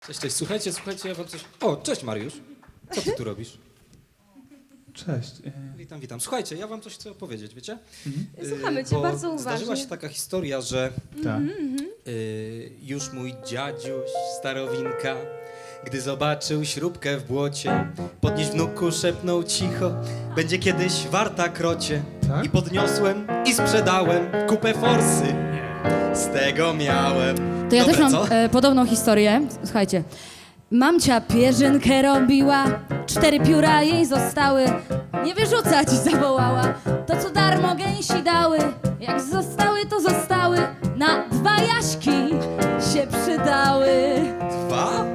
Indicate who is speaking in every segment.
Speaker 1: Cześć, cześć. Słuchajcie, ja wam coś... O, cześć Mariusz. Co ty tu robisz?
Speaker 2: Cześć.
Speaker 1: Witam, witam. Słuchajcie, ja wam coś chcę opowiedzieć, wiecie?
Speaker 3: Słuchamy cię
Speaker 1: Bo
Speaker 3: bardzo uważnie.
Speaker 1: zdarzyła się taka historia, że
Speaker 2: Tak.
Speaker 1: już mój dziadziuś, starowinka, gdy zobaczył śrubkę w błocie, podnieś wnuku, szepnął cicho, będzie kiedyś warta krocie.
Speaker 2: Tak?
Speaker 1: I podniosłem i sprzedałem kupę forsy. Z tego miałem.
Speaker 4: To ja
Speaker 1: Dobre,
Speaker 4: też mam
Speaker 1: co?
Speaker 4: podobną historię. Słuchajcie. Mamcia pierzynkę robiła, 4 pióra jej zostały. Nie wyrzucać zawołała, to co darmo gęsi dały. Jak zostały, to zostały, na 2 jaśki się przydały.
Speaker 1: 2?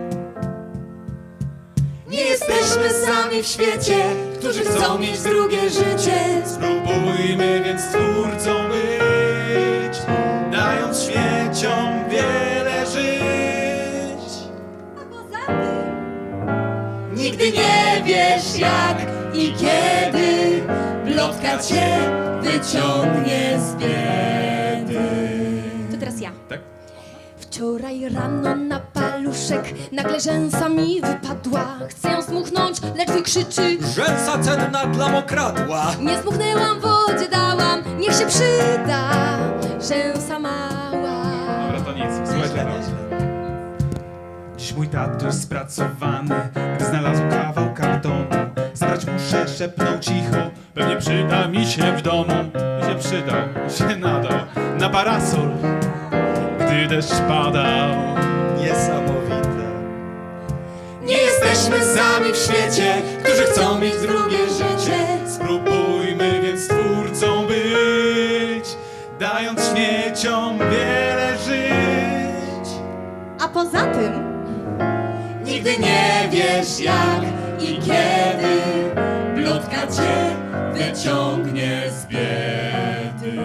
Speaker 3: Nie jesteśmy sami w świecie, którzy chcą mieć drugie życie.
Speaker 2: Spróbujmy więc twórcą być, dając świeciom wiele żyć.
Speaker 3: A poza tym nigdy nie wiesz jak i kiedy plotka cię wyciągnie z biedy. To teraz ja.
Speaker 2: Tak?
Speaker 3: Wczoraj rano na paluszek nagle rzęsa mi wypadła. Chcę ją smuchnąć, lecz wykrzyczy:
Speaker 1: Rzęsa cenna dla mokradła.
Speaker 3: nie smuchnęłam, wodzie dałam, niech się przyda rzęsa mała.
Speaker 2: Dobra, to nic. Słuchajcie, no. Dziś mój tatuś spracowany, gdy znalazł kawał kartonu. Zabrać muszę, szepnął cicho, pewnie przyda mi się w domu. Mi się przydał, się nadał na parasol, gdy deszcz padał.
Speaker 1: Niesamowite.
Speaker 3: Nie jesteśmy sami w świecie, którzy chcą mieć drugie życie.
Speaker 2: Spróbujmy więc twórcą być, dając śmieciom wiele żyć.
Speaker 3: A poza tym nigdy nie wiesz jak i kiedy plotka cię wyciągnie z biedy.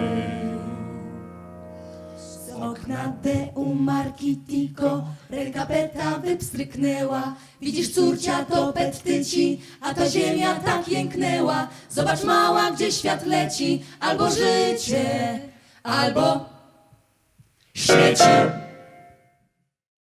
Speaker 3: Z okna Deu marki Tico ręka Peta wypstryknęła. Widzisz, córcia, to pet tyci, a ta ziemia tak jęknęła. Zobacz, mała, gdzie świat leci, albo życie, albo śmieci.